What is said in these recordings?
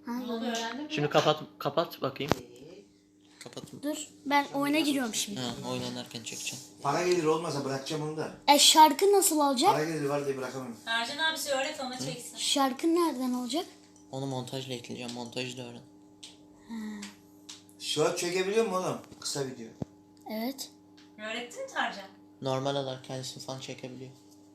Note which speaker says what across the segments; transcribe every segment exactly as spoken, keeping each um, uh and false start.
Speaker 1: Ha,
Speaker 2: Ne oldu, öğrendin mi?
Speaker 3: Şimdi kapat kapat bakayım. Kapat.
Speaker 1: dur ben oyuna giriyorum şimdi.
Speaker 3: Ha, oynanırken çekeceğim.
Speaker 4: Para gelir olmasa bırakacağım onu da.
Speaker 1: E şarkı nasıl olacak?
Speaker 4: Para gelir var diye bırakamam.
Speaker 2: Ercan abisi öğret ona çeksin.
Speaker 1: Şarkı nereden olacak?
Speaker 3: Onu montajla ekleyeceğim. Montajı da öğren.
Speaker 4: Short çekebiliyor mu oğlum? Kısa video.
Speaker 1: Evet.
Speaker 2: Öğrettin mi Tarcan?
Speaker 3: Normal olarak kendisini falan çekebiliyor.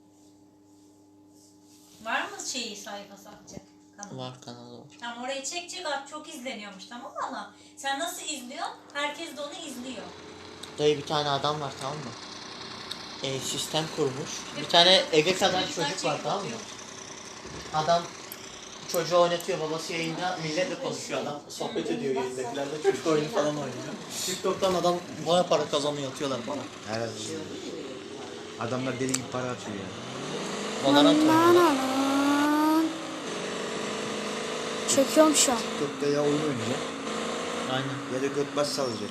Speaker 2: Var mı şeyi sayfası atacak? Kanalı.
Speaker 3: Var, kanalı var.
Speaker 2: Tamam, orayı çekecek, at çok izleniyormuş, tamam mı ama sen nasıl izliyorsun? Herkes de onu izliyor.
Speaker 3: Dayı bir tane adam var, tamam mı? E, sistem kurmuş. Bir tane Ege kadar çocuk var, tamam mı? Adam çocuğu oynatıyor, babası yayında milletle konuşuyor, adam sohbet ediyor yayındakilerle, çocuk oyunu falan oynuyor. TikTok'tan adam baya para kazanıyor, atıyorlar bana.
Speaker 4: Herhalde. Adamlar deli gibi para atıyor ya.
Speaker 3: Valorant oynuyorlar.
Speaker 1: Çekiyorum şu an.
Speaker 4: TikTok'ta ya oyun oynayacak
Speaker 3: Aynen.
Speaker 4: ya da göt bas salacak.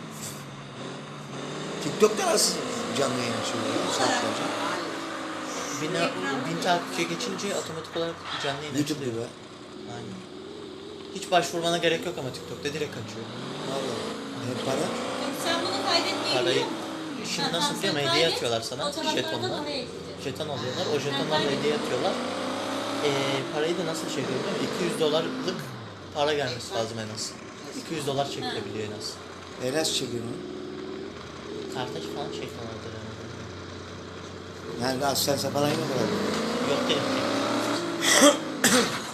Speaker 4: TikTok'ta nasıl canlı yayın açıyorlar ya saatlerce?
Speaker 3: Bin, bin takipçiye geçince otomatik olarak canlı yayın
Speaker 4: YouTube
Speaker 3: açılıyor.
Speaker 4: gibi.
Speaker 3: Aynen. Hiç başvurmana gerek yok ama TikTok'ta direkt açıyor.
Speaker 4: Valla. Ne para?
Speaker 2: Sen bunu kaydetmeyi
Speaker 3: Parayı
Speaker 2: biliyor musun?
Speaker 3: şimdi
Speaker 2: Ha,
Speaker 3: nasıl
Speaker 2: tamam,
Speaker 3: biliyor musun?
Speaker 2: sen
Speaker 3: Hediye
Speaker 2: kaydet,
Speaker 3: atıyorlar sana
Speaker 2: fotoğraflardan
Speaker 3: jetonla.
Speaker 2: oraya ekleyeceğiz.
Speaker 3: Jeton alıyorlar. O jetonlarla
Speaker 2: kaydet.
Speaker 3: hediye atıyorlar. Ee, parayı da nasıl çekiyor biliyor musun? iki yüz dolarlık para gelmesi lazım en az. iki yüz dolar çekilebiliyor en az.
Speaker 4: E nasıl çekiyorsun?
Speaker 3: Kartaş falan çekiyorlardır yani.
Speaker 4: Yani daha sen falan yok herhalde.
Speaker 3: Yok değil.